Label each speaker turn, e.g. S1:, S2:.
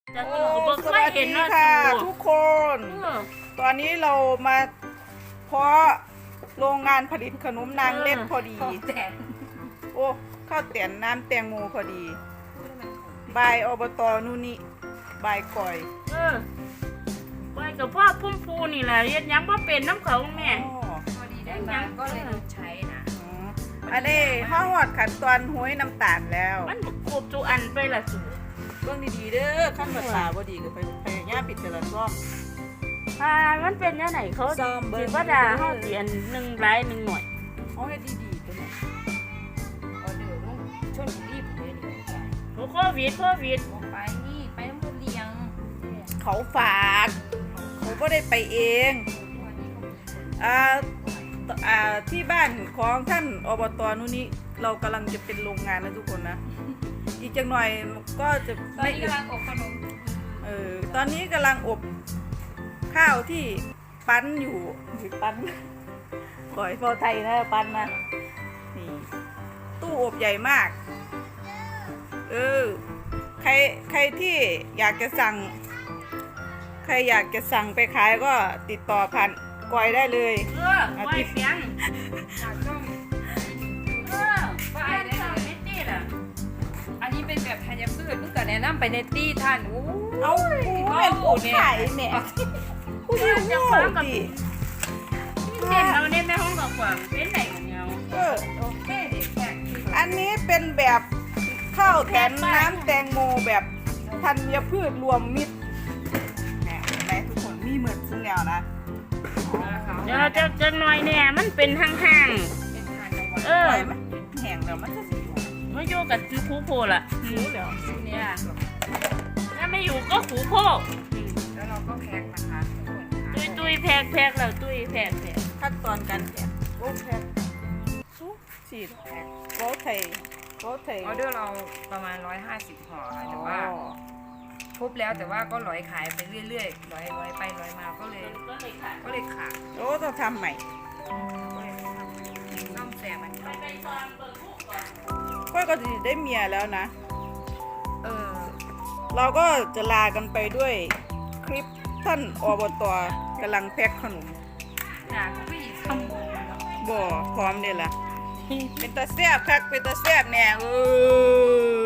S1: จะ
S2: โอ้
S1: ตู่ก็บ่
S2: ส
S1: เคย
S2: วัส
S1: เห็
S2: ดี
S1: นเนาะ
S2: ค่ะ
S1: ตู่
S2: ทุกคน
S1: เออ
S2: ตอนนี้เรามาเพาะโรงงานผลิตขนมนางเล็ดพอดี โอ้ข้าวเตียนน้ำแตงโมพอดีบายอบตนูนิบายก่อย
S1: เออไปกับพ่อพุ่มพูนี่แหละเฮ็ดหยังบ่เป็นน้ำเขาแม่
S2: อ๋อ
S3: พอดีได้มาก็เลยใช้นะ
S2: อ๋ออันนี้ห้าหอดขั้นตอนห้วยน้ำตาลแล้ว
S1: มันครบทุกอันไปละตู่
S2: เรื่องดีๆเด้อขั้นภาษาบ่ดีก็ไปพยายามปิดแต่ละซ่อม
S1: มันเป็นยังไงเขา
S2: ซ่อมเบิ่
S1: สิ
S2: ง
S1: ว่าด่าเฮาเสียนหนึ่งหลายหนึ่งหน่อย
S2: เอาให้ดีๆตัวเนี้
S3: ออเดอร์ลูกชนบุรีผมเลยดีกว่า
S1: โอ้โควิด
S3: บอกไปนี่ไปน้ำมันเลี้ยง
S2: เขาฝากเขาก็ได้ไปเอง
S3: วันนี้ก็มีคน
S2: ที่บ้านของท่านอบตนู่นนี่เรากำลังจะเป็นโรงงานนะทุกคนนะ อีกจังหน่อยก็จะ
S3: ตอน
S2: ไม่
S3: นี้กำลังอบขนม
S2: ตอนนี้กำลังอบข้าวที่ปั้นอยู่ปั้นก่อยพอไทยนะปั้นนะนี่ตู้อบใหญ่มากใครที่อยากจะสั่ง ใครอยากจะสั่งไปขายก็ติดต่อผ่านก่อยได้เลย
S1: เออไว้เสียง
S3: จากช่อง
S1: เออไปได้เลยนิดนี่ล่ะ
S3: อันนี้เป็นแบบธัญพืชเพิ่งเกิดแนะนำไปในตี้ท่านโอ้
S2: เอาผู้เป็นผู้ขายเนี่ยผู้ที่หูดิ
S1: เห็นเราในแม่ห้องบอกว่าเป็นไหนของเรา
S3: โอเคเด็กแขก
S2: อันนี้เป็นแบบข้าวแถมน้ำแตงโมแบบธัญพืชรวมมิตรเนี่ยเห็นไหมทุกคนมีเหมือนซึ่งแล้วนะ
S1: เดี๋ยวจะหน่อยเนี่ยมันเป็นห่าง
S3: เป็นทานกลางวัน
S1: ๆ เออ
S2: ปล่อยมันแห้งแล้วมันจะสิอยู่
S1: มาอยู่กับคือครูโพล่ะ
S2: รู้แล้ว
S1: เนี่ยถ้าไม่อยู่ก็ครูโพ
S3: แล้วเราก็แพ็คนะคะทุกคนค่ะ
S1: ตุยแพกแล้วตุยแพก
S2: ขั้นตอนการแกะโอ้แพ็คฉีดโบ๊ทไทย
S3: ออเดอร์เราประมาณ150ห่อค่ะแต่ว่าครบแล้วแต่ว่าก็ร้อยขายไปเรื่อยๆร้อยไปร้อยมาก็เลย
S1: ก็เลยค่ะ
S3: ขาด
S2: โอ้ต้องทำใหม่
S3: ก็เลยทำซ่อมแซมอันนี้
S1: ไปตอนเปิดคุกก่อน
S2: ก้อยก็จะได้เมียแล้วนะ
S3: เออ
S2: เราก็จะลากันไปด้วยคลิปท่านอบตกำลังแพ็คขนม
S3: จากผู้หญิงสมบูรณ์
S2: บ่พร้อมเด้ล่ะ เป็นตาแซ่บคักเป็นตาแซ่บแน่